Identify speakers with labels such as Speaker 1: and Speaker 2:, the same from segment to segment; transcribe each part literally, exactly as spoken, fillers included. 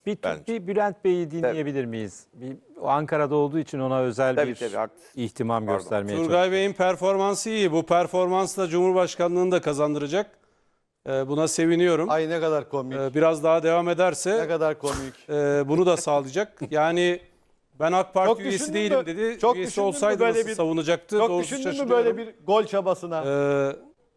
Speaker 1: Bir,
Speaker 2: bence.
Speaker 1: bir Bülent Bey'i dinleyebilir miyiz? Bir, o Ankara'da olduğu için ona özel
Speaker 2: Tabii,
Speaker 1: bir
Speaker 2: tabii, haklısın.
Speaker 1: ihtimam
Speaker 2: Pardon.
Speaker 1: göstermeye
Speaker 3: Turgay
Speaker 1: çalışıyorum.
Speaker 3: Bey'in performansı iyi. Bu performansla Cumhurbaşkanlığını da kazandıracak. Ee, buna seviniyorum.
Speaker 4: Ay ne kadar komik.
Speaker 3: Ee, biraz daha devam
Speaker 4: Ne
Speaker 3: ederse
Speaker 4: kadar komik.
Speaker 3: e, bunu da sağlayacak. Yani ben AK Parti
Speaker 4: Çok
Speaker 3: üyesi
Speaker 4: düşündün
Speaker 3: değilim
Speaker 4: mü?
Speaker 3: dedi.
Speaker 4: Çok
Speaker 3: Üyesi
Speaker 4: düşündün mü
Speaker 3: olsaydı
Speaker 4: böyle
Speaker 3: nasıl
Speaker 4: bir-
Speaker 3: savunacaktı?
Speaker 4: Çok
Speaker 3: Doğrusu
Speaker 4: düşündün mü
Speaker 3: şaşırıyorum.
Speaker 4: böyle bir gol çabasına?
Speaker 3: Ee,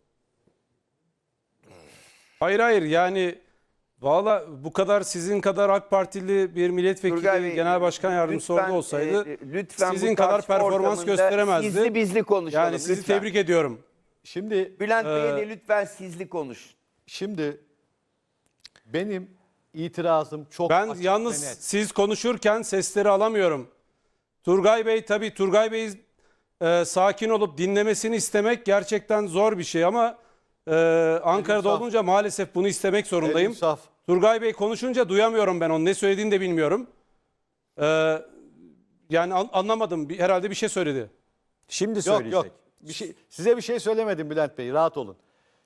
Speaker 3: hayır hayır yani valla bu kadar sizin kadar AK Partili bir milletvekili,
Speaker 2: Turgay Bey,
Speaker 3: genel başkan yardımcısı
Speaker 2: lütfen,
Speaker 3: orada olsaydı
Speaker 2: e, lütfen
Speaker 3: sizin
Speaker 2: bu
Speaker 3: kadar
Speaker 2: tartışma
Speaker 3: performans
Speaker 2: ortamında
Speaker 3: gösteremezdi.
Speaker 2: Sizli bizli konuşalım.
Speaker 3: Yani sizi
Speaker 2: lütfen.
Speaker 3: tebrik ediyorum.
Speaker 4: Şimdi
Speaker 2: Bülent Bey'e
Speaker 3: Ee,
Speaker 2: de lütfen sizli konuş.
Speaker 4: şimdi benim itirazım çok
Speaker 3: Ben
Speaker 4: açık
Speaker 3: yalnız
Speaker 4: ve net.
Speaker 3: siz konuşurken sesleri alamıyorum. Turgay Bey tabii Turgay Bey e, sakin olup dinlemesini istemek gerçekten zor bir şey ama e, Ankara'da
Speaker 4: saf.
Speaker 3: olunca maalesef bunu istemek zorundayım.
Speaker 4: Elim saf.
Speaker 3: Turgay Bey konuşunca duyamıyorum ben onun ne söylediğini de bilmiyorum. E, yani an- anlamadım Bir- herhalde bir şey söyledi.
Speaker 1: Şimdi
Speaker 4: Yok
Speaker 1: söyleyecek.
Speaker 4: yok. Bir şey, size bir şey söylemedim Bülent Bey. Rahat olun.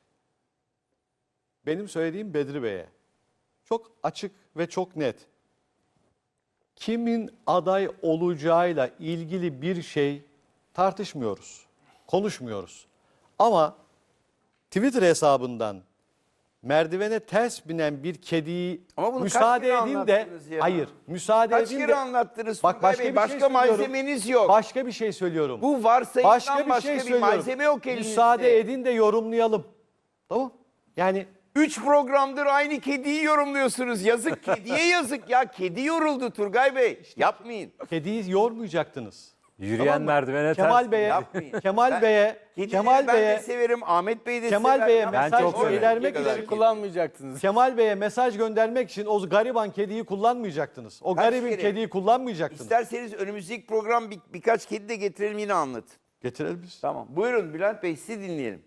Speaker 4: Benim söylediğim Bedri Bey'e. Çok açık ve çok net. Kimin aday olacağıyla ilgili bir şey tartışmıyoruz. Konuşmuyoruz. Ama Twitter hesabından merdivene ters binen bir kediyi
Speaker 2: Ama bunu
Speaker 4: müsaade
Speaker 2: kaç kere
Speaker 4: edin de
Speaker 2: anlattınız ya?
Speaker 4: hayır müsaade
Speaker 2: Kaç
Speaker 4: edin
Speaker 2: kere
Speaker 4: de
Speaker 2: anlattınız
Speaker 4: bak
Speaker 2: Turgay
Speaker 4: başka
Speaker 2: Bey?
Speaker 4: bir
Speaker 2: Başka
Speaker 4: şey söylüyorum.
Speaker 2: malzemeniz yok.
Speaker 4: Başka bir şey söylüyorum.
Speaker 2: Bu varsayımdan
Speaker 4: Başka
Speaker 2: başka
Speaker 4: bir
Speaker 2: bir,
Speaker 4: şey söylüyorum.
Speaker 2: malzeme yok elinizde.
Speaker 4: Müsaade edin de yorumlayalım. Tamam? Yani
Speaker 2: Üç programdır aynı kediyi yorumluyorsunuz. Yazık kediye yazık ya. Kedi yoruldu Turgay Bey. Yapmayın.
Speaker 4: kediyi yormayacaktınız.
Speaker 1: Yürüyen
Speaker 4: Tamam mı?
Speaker 1: merdivene
Speaker 4: Kemal
Speaker 1: ters.
Speaker 4: Bey'e
Speaker 2: Yapmayın.
Speaker 4: Kemal
Speaker 2: Ben-
Speaker 4: Bey'e
Speaker 2: Kedileri
Speaker 4: Kemal
Speaker 2: ben
Speaker 4: Bey'e
Speaker 2: de severim. Ahmet Bey de
Speaker 4: Kemal
Speaker 2: sever.
Speaker 4: Bey'e
Speaker 2: Ya
Speaker 4: mesaj
Speaker 1: çok severim.
Speaker 4: göndermek
Speaker 2: Ne kadar
Speaker 4: için
Speaker 2: kedi.
Speaker 5: kullanmayacaksınız.
Speaker 4: Kemal Bey'e mesaj göndermek için o gariban kediyi kullanmayacaktınız. O
Speaker 2: Kaç
Speaker 4: garibin
Speaker 2: kere?
Speaker 4: kediyi kullanmayacaktınız.
Speaker 2: İsterseniz önümüzdeki program bir, birkaç kedi de getirelim yine anlat.
Speaker 4: Getirelim biz.
Speaker 2: Tamam. Buyurun Bülent Bey sizi dinleyelim.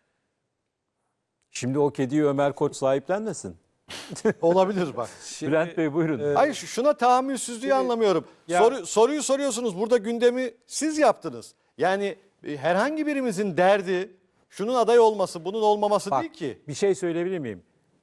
Speaker 1: Şimdi o kediyi Ömer Koç sahiplenmesin.
Speaker 4: Olabilir bak.
Speaker 3: Şimdi,
Speaker 1: Bülent Bey buyurun.
Speaker 4: Hayır şu- şuna tahammülsüzlüğü anlamıyorum.
Speaker 3: Ya-
Speaker 4: Soru, soruyu soruyorsunuz. Burada gündemi siz yaptınız. Yani e, herhangi birimizin derdi şunun aday olması, bunun olmaması
Speaker 1: Bak,
Speaker 4: değil ki.
Speaker 1: bir şey söyleyebilir miyim?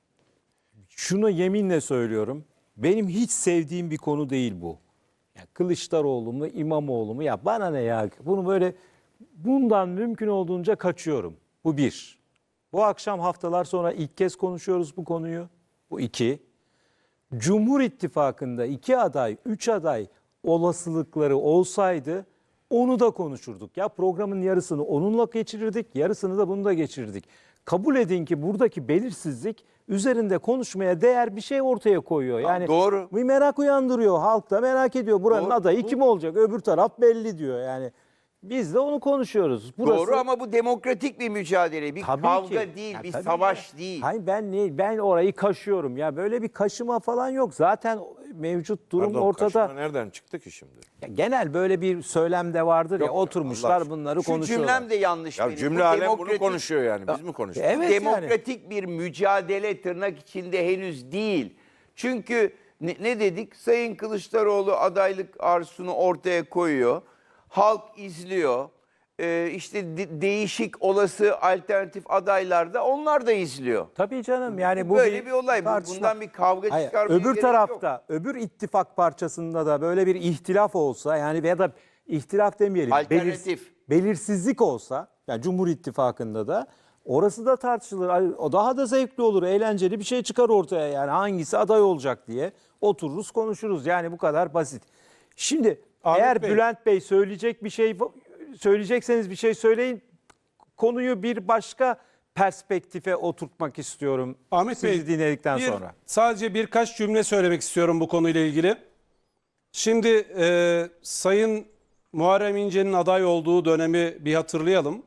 Speaker 1: Şunu yeminle söylüyorum. Benim hiç sevdiğim bir konu değil bu. Ya Kılıçdaroğlu mu, İmamoğlu mu? Ya bana ne ya? Bunu böyle bundan mümkün olduğunca kaçıyorum. Bu bir. Bu akşam haftalar sonra ilk kez konuşuyoruz bu konuyu. Bu iki. Cumhur İttifakı'nda iki aday, üç aday olasılıkları olsaydı onu da konuşurduk. Ya programın yarısını onunla geçirirdik, yarısını da bunu da geçirirdik. Kabul edin ki buradaki belirsizlik üzerinde konuşmaya değer bir şey ortaya koyuyor. Yani
Speaker 2: doğru.
Speaker 1: bir merak uyandırıyor. Halk da merak ediyor. Buranın
Speaker 2: Doğru.
Speaker 1: adayı kim olacak? Öbür taraf belli diyor. Yani biz de onu konuşuyoruz. Burası...
Speaker 2: Doğru ama bu demokratik bir mücadele. Bir
Speaker 1: Tabii
Speaker 2: kavga
Speaker 1: ki.
Speaker 2: değil,
Speaker 1: Ya
Speaker 2: bir
Speaker 1: tabii
Speaker 2: savaş
Speaker 1: ya.
Speaker 2: değil.
Speaker 1: Hayır ben ne ben orayı kaşıyorum ya böyle bir kaşıma falan yok. Zaten mevcut durum
Speaker 6: Pardon,
Speaker 1: ortada.
Speaker 6: kaşıma nereden çıktı ki şimdi?
Speaker 1: Ya genel böyle bir söylem de vardır ya
Speaker 6: Yok,
Speaker 1: oturmuşlar
Speaker 6: Allah
Speaker 1: bunları
Speaker 2: Şu
Speaker 1: konuşuyorlar.
Speaker 2: cümlem de yanlış
Speaker 6: Ya
Speaker 2: benim.
Speaker 6: cümle
Speaker 2: Bu
Speaker 6: alem bunu
Speaker 2: demokratik-
Speaker 6: konuşuyor yani. Biz mi konuşuyoruz?
Speaker 1: Evet yani.
Speaker 2: demokratik bir mücadele tırnak içinde henüz değil. Çünkü ne, ne dedik? Sayın Kılıçdaroğlu adaylık arzusunu ortaya koyuyor. Halk izliyor. Ee, işte de- değişik olası alternatif adaylar da onlar da izliyor.
Speaker 1: Tabii canım yani bu
Speaker 2: Böyle bir olay. Bu-
Speaker 1: tartışma.
Speaker 2: Bundan bir kavga
Speaker 1: Hayır,
Speaker 2: çıkarmaya
Speaker 1: öbür
Speaker 2: gerek
Speaker 1: tarafta,
Speaker 2: yok.
Speaker 1: öbür ittifak parçasında da böyle bir ihtilaf olsa yani ya da ihtilaf demeyelim.
Speaker 2: Alternatif.
Speaker 1: belirsizlik olsa yani Cumhur İttifakı'nda da orası da tartışılır. Ay, o daha da zevkli olur, eğlenceli bir şey çıkar ortaya yani hangisi aday olacak diye otururuz konuşuruz. Yani bu kadar basit. Şimdi
Speaker 3: Ahmet
Speaker 1: eğer
Speaker 3: Bey.
Speaker 1: Bülent Bey söyleyecek bir şey söyleyecekseniz bir şey söyleyin. Konuyu bir başka perspektife oturtmak istiyorum.
Speaker 3: Ahmet
Speaker 1: sizi
Speaker 3: Bey,
Speaker 1: dinledikten
Speaker 3: bir-
Speaker 1: sonra.
Speaker 3: Sadece birkaç cümle söylemek istiyorum bu konuyla ilgili. Şimdi e, Sayın Muharrem İnce'nin aday olduğu dönemi bir hatırlayalım.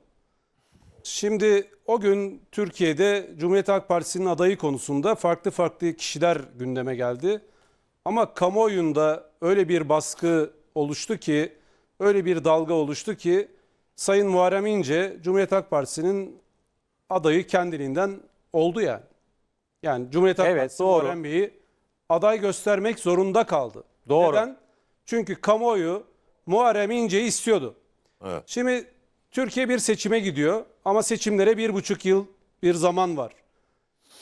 Speaker 3: Şimdi o gün Türkiye'de Cumhuriyet Halk Partisi'nin adayı konusunda farklı farklı kişiler gündeme geldi. Ama kamuoyunda öyle bir baskı oluştu ki, öyle bir dalga oluştu ki Sayın Muharrem İnce Cumhuriyet Halk Partisi'nin adayı kendiliğinden oldu yani. Yani Cumhuriyet Halk
Speaker 1: Evet,
Speaker 3: Partisi
Speaker 1: doğru.
Speaker 3: Muharrem Bey'i aday göstermek zorunda kaldı.
Speaker 1: Doğru.
Speaker 3: Neden? Çünkü kamuoyu Muharrem İnce'yi istiyordu.
Speaker 6: Evet.
Speaker 3: Şimdi Türkiye bir seçime gidiyor ama seçimlere bir buçuk yıl bir zaman var.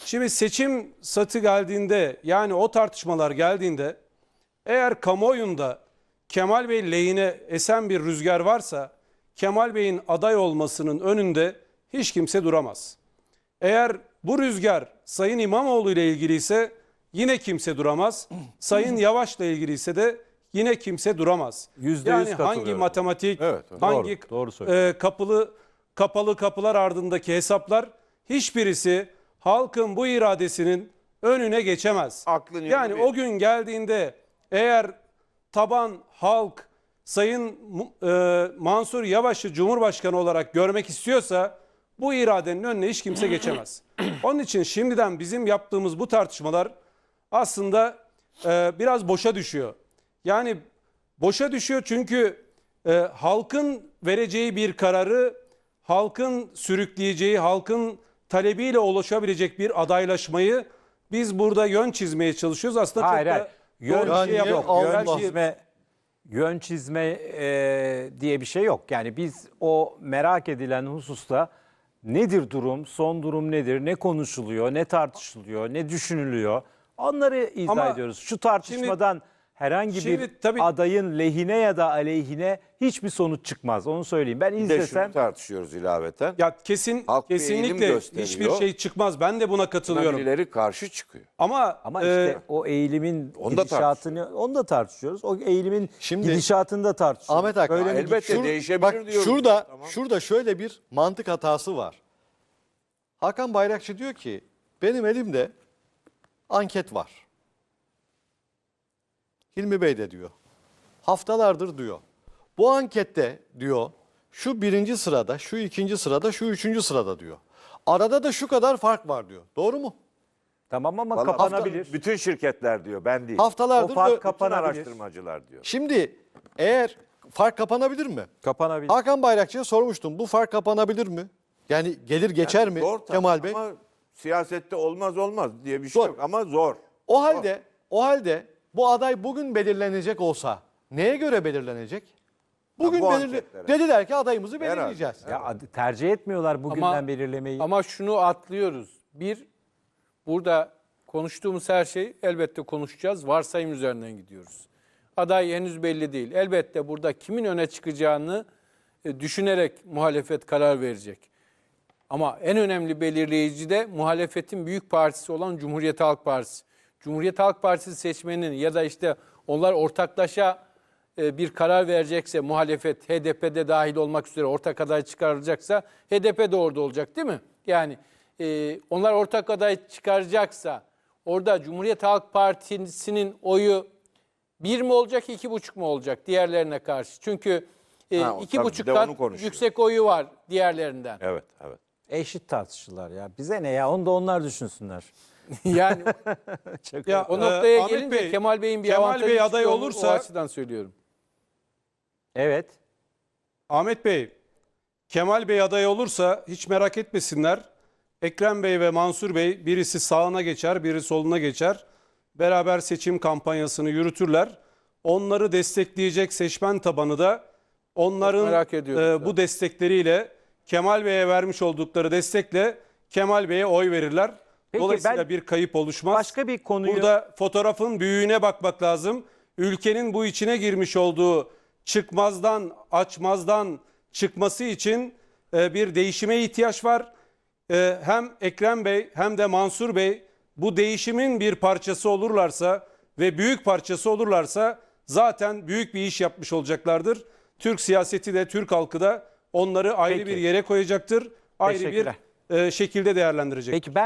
Speaker 3: Şimdi seçim satı geldiğinde, yani o tartışmalar geldiğinde, eğer kamuoyunda Kemal Bey lehine esen bir rüzgar varsa Kemal Bey'in aday olmasının önünde hiç kimse duramaz. Eğer bu rüzgar Sayın İmamoğlu ile ilgili ise yine kimse duramaz. Sayın Yavaş'la ilgili ise de yine kimse duramaz.
Speaker 1: Yüzde yüz
Speaker 3: Yani hangi
Speaker 1: katılıyorum.
Speaker 3: matematik,
Speaker 6: Evet, evet.
Speaker 3: hangi
Speaker 1: Doğru, doğru söylüyorsun.
Speaker 3: e, kapılı kapalı kapılar ardındaki hesaplar, hiçbirisi halkın bu iradesinin önüne geçemez.
Speaker 2: Aklın
Speaker 3: Yani
Speaker 2: yolu bir.
Speaker 3: o gün geldiğinde eğer taban halk Sayın Mu- e, Mansur Yavaş'ı Cumhurbaşkanı olarak görmek istiyorsa bu iradenin önüne hiç kimse geçemez. Onun için şimdiden bizim yaptığımız bu tartışmalar aslında e, biraz boşa düşüyor. Yani boşa düşüyor çünkü e, halkın vereceği bir kararı, halkın sürükleyeceği, halkın talebiyle ulaşabilecek bir adaylaşmayı biz burada yön çizmeye çalışıyoruz. Aslında
Speaker 1: Hayır,
Speaker 3: çok
Speaker 1: hayır.
Speaker 3: da
Speaker 1: Yön,
Speaker 3: doğru bir
Speaker 4: Yani
Speaker 3: şey yapmak.
Speaker 1: yok.
Speaker 4: Allah.
Speaker 1: Yön çizme, yön çizme e, diye bir şey yok. Yani biz o merak edilen hususta nedir durum, son durum nedir, ne konuşuluyor, ne tartışılıyor, ne düşünülüyor, onları izah
Speaker 3: Ama
Speaker 1: ediyoruz. Şu tartışmadan herhangi
Speaker 3: şimdi
Speaker 1: bir
Speaker 3: tabii-
Speaker 1: adayın lehine ya da aleyhine hiçbir sonuç çıkmaz. Onu söyleyeyim. Ben
Speaker 6: Bir de
Speaker 1: izlesem
Speaker 6: şunu tartışıyoruz ilaveten.
Speaker 3: Ya kesin
Speaker 6: Halk bir eğilim
Speaker 3: kesinlikle
Speaker 6: gösteriyor.
Speaker 3: hiçbir şey çıkmaz. Ben de buna katılıyorum.
Speaker 6: Birileri karşı çıkıyor.
Speaker 3: Ama
Speaker 1: ama
Speaker 3: e,
Speaker 1: işte o eğilimin
Speaker 6: Onu da
Speaker 1: gidişatını onu da tartışıyoruz. O eğilimin
Speaker 4: Şimdi-
Speaker 1: gidişatını da tartışıyoruz.
Speaker 4: Ahmet Hakan,
Speaker 1: Böyle mi
Speaker 6: elbette
Speaker 1: gidiyor?
Speaker 6: değişebilir
Speaker 4: bak,
Speaker 6: diyoruz.
Speaker 4: Şurada,
Speaker 6: Tamam.
Speaker 4: şurada şöyle bir mantık hatası var. Hakan Bayrakçı diyor ki benim elimde anket var. Hilmi Bey de diyor. Haftalardır diyor. Bu ankette diyor şu birinci sırada, şu ikinci sırada, şu üçüncü sırada diyor. Arada da şu kadar fark var diyor. Doğru mu?
Speaker 1: Tamam ama
Speaker 6: Vallahi
Speaker 1: kapanabilir.
Speaker 6: Bütün şirketler diyor, ben değil.
Speaker 4: Haftalardır
Speaker 1: O fark
Speaker 4: böyle-
Speaker 6: Bütün
Speaker 1: kapanabilir.
Speaker 6: araştırmacılar diyor.
Speaker 4: Şimdi eğer fark kapanabilir mi?
Speaker 1: Kapanabilir.
Speaker 4: Hakan Bayrakçı'ya sormuştum. Bu fark kapanabilir mi? Yani gelir geçer mi
Speaker 6: Zor tabii
Speaker 4: Kemal Bey?
Speaker 6: Ama siyasette olmaz olmaz diye bir şey
Speaker 4: Zor.
Speaker 6: yok ama zor.
Speaker 4: O halde o halde bu aday bugün belirlenecek olsa neye göre belirlenecek? Bugün
Speaker 6: bu
Speaker 4: belirle
Speaker 6: anketlere.
Speaker 4: dediler ki adayımızı
Speaker 6: Herhalde.
Speaker 4: belirleyeceğiz.
Speaker 1: Ya ad- tercih etmiyorlar bugünden
Speaker 5: Ama-
Speaker 1: belirlemeyi.
Speaker 5: Ama şunu atlıyoruz. Bir, burada konuştuğumuz her şey elbette konuşacağız. Varsayım üzerinden gidiyoruz. Aday henüz belli değil. Elbette burada kimin öne çıkacağını e, düşünerek muhalefet karar verecek. Ama en önemli belirleyici de muhalefetin büyük partisi olan Cumhuriyet Halk Partisi. Cumhuriyet Halk Partisi seçmeninin ya da işte onlar ortaklaşa e, bir karar verecekse muhalefet H D P'de dahil olmak üzere ortak aday çıkarılacaksa H D P de orada olacak değil mi? Yani e, onlar ortak aday çıkaracaksa orada Cumhuriyet Halk Partisi'nin oyu bir mi olacak, iki buçuk mu olacak diğerlerine karşı? Çünkü e,
Speaker 6: Ha, o
Speaker 5: iki
Speaker 6: tabii,
Speaker 5: buçuk
Speaker 6: bir de
Speaker 5: kat
Speaker 6: onu konuşuyor.
Speaker 5: yüksek oyu var diğerlerinden.
Speaker 6: Evet, evet.
Speaker 1: Eşit tartışırlar ya. Bize ne ya? Onu da onlar düşünsünler.
Speaker 5: Yani
Speaker 3: ya,
Speaker 5: o
Speaker 3: e,
Speaker 5: noktaya
Speaker 3: Ahmet
Speaker 5: gelince
Speaker 3: Bey,
Speaker 5: Kemal Bey'in bir
Speaker 3: Kemal
Speaker 5: avantajı
Speaker 3: Bey aday
Speaker 5: çıkıyor,
Speaker 3: olursa-
Speaker 5: o açıdan söylüyorum.
Speaker 1: Evet.
Speaker 3: Ahmet Bey, Kemal Bey aday olursa hiç merak etmesinler. Ekrem Bey ve Mansur Bey birisi sağına geçer, biri soluna geçer. Beraber seçim kampanyasını yürütürler. Onları destekleyecek seçmen tabanı da onların
Speaker 5: Çok merak ediyoruz
Speaker 3: e, bu destekleriyle Kemal Bey'e vermiş oldukları destekle Kemal Bey'e oy verirler.
Speaker 1: Peki
Speaker 3: Dolayısıyla
Speaker 1: ben
Speaker 3: bir kayıp oluşmaz.
Speaker 1: başka bir konuyu-
Speaker 3: Burada fotoğrafın büyüğüne bakmak lazım. Ülkenin bu içine girmiş olduğu çıkmazdan, açmazdan çıkması için e, bir değişime ihtiyaç var. E, hem Ekrem Bey hem de Mansur Bey bu değişimin bir parçası olurlarsa ve büyük parçası olurlarsa zaten büyük bir iş yapmış olacaklardır. Türk siyaseti de Türk halkı da onları ayrı
Speaker 1: Peki.
Speaker 3: bir yere koyacaktır. Ayrı bir
Speaker 1: Teşekkürler.
Speaker 3: e, şekilde değerlendirecektir.
Speaker 1: Peki ben